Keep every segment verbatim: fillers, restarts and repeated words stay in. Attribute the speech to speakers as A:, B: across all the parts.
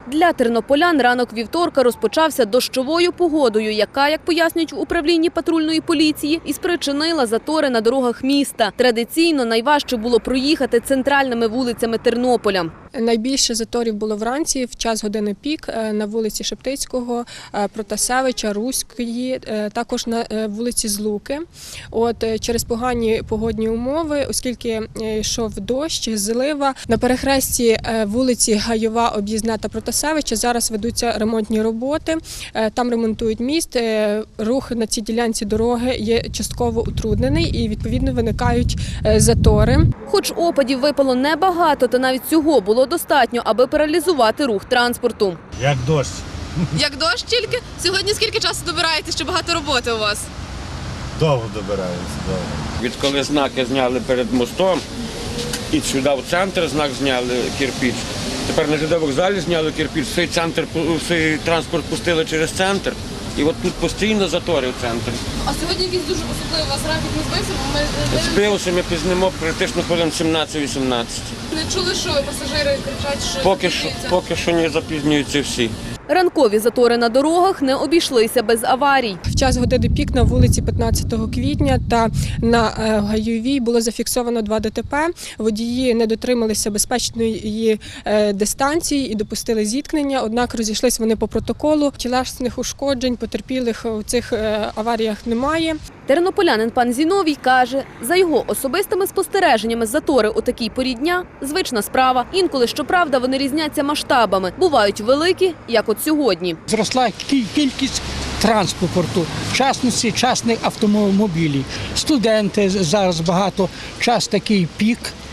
A: Для тернополян ранок вівторка розпочався дощовою погодою, яка, як пояснюють в управлінні патрульної поліції, і спричинила затори на дорогах міста. Традиційно найважче було проїхати центральними вулицями Тернополя.
B: Найбільше заторів було вранці, в час години пік, на вулиці Шептицького, Протасевича, Руської, також на вулиці Злуки. От, через погані погодні умови, оскільки йшов дощ, злива, на перехресті вулиці Гайова, Об'їзна та Протасевича зараз ведуться ремонтні роботи. Там ремонтують міст, рух на цій ділянці дороги є частково утруднений і, відповідно, виникають затори.
A: Хоч опадів випало небагато, та навіть цього було достатньо, аби паралізувати рух транспорту.
C: Як дощ.
D: Як дощ тільки? Сьогодні скільки часу добираєте, що багато роботи у вас?
C: Довго добираємося, довго.
E: Відколи знаки зняли перед мостом і сюди в центр знак зняли кирпіч. Тепер на ЖД вокзалі зняли кирпіч, всій центр, всій транспорт пустили через центр. І от тут постійно затори в центрі.
D: А сьогодні якийсь дуже особливий у вас графік не збився, бо ми
E: Збився, ми пізнемо практично хвилин сімнадцять-вісімнадцять.
D: не чули, що пасажири кричать, що
E: Поки що,
D: запізнюються.
E: поки що не запізнюються всі.
A: Ранкові затори на дорогах не обійшлися без аварій.
B: В час години пік на вулиці п'ятнадцятого квітня та на Гайовій було зафіксовано два ДТП. Водії не дотрималися безпечної дистанції і допустили зіткнення, однак розійшлися вони по протоколу. Тілесних ушкоджень, потерпілих у цих аваріях немає.
A: Тернополянин пан Зіновій каже, за його особистими спостереженнями затори у такій порі дня – звична справа. Інколи, щоправда, вони різняться масштабами. Бувають великі, як от сьогодні.
F: Зросла кількість транспорту, в частності частних автомобілів. Студенти зараз багато, час такий пік,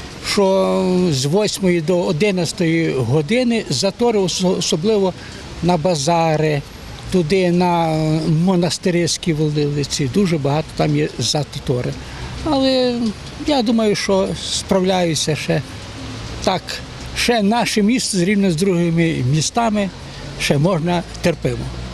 F: що з восьмої до одинадцятої години затори, особливо на базари, туди на монастирські вулиці, дуже багато там є затори. Але я думаю, що справляюся ще так. Ще наше місто, зрівняно з другими містами, ще можна терпимо.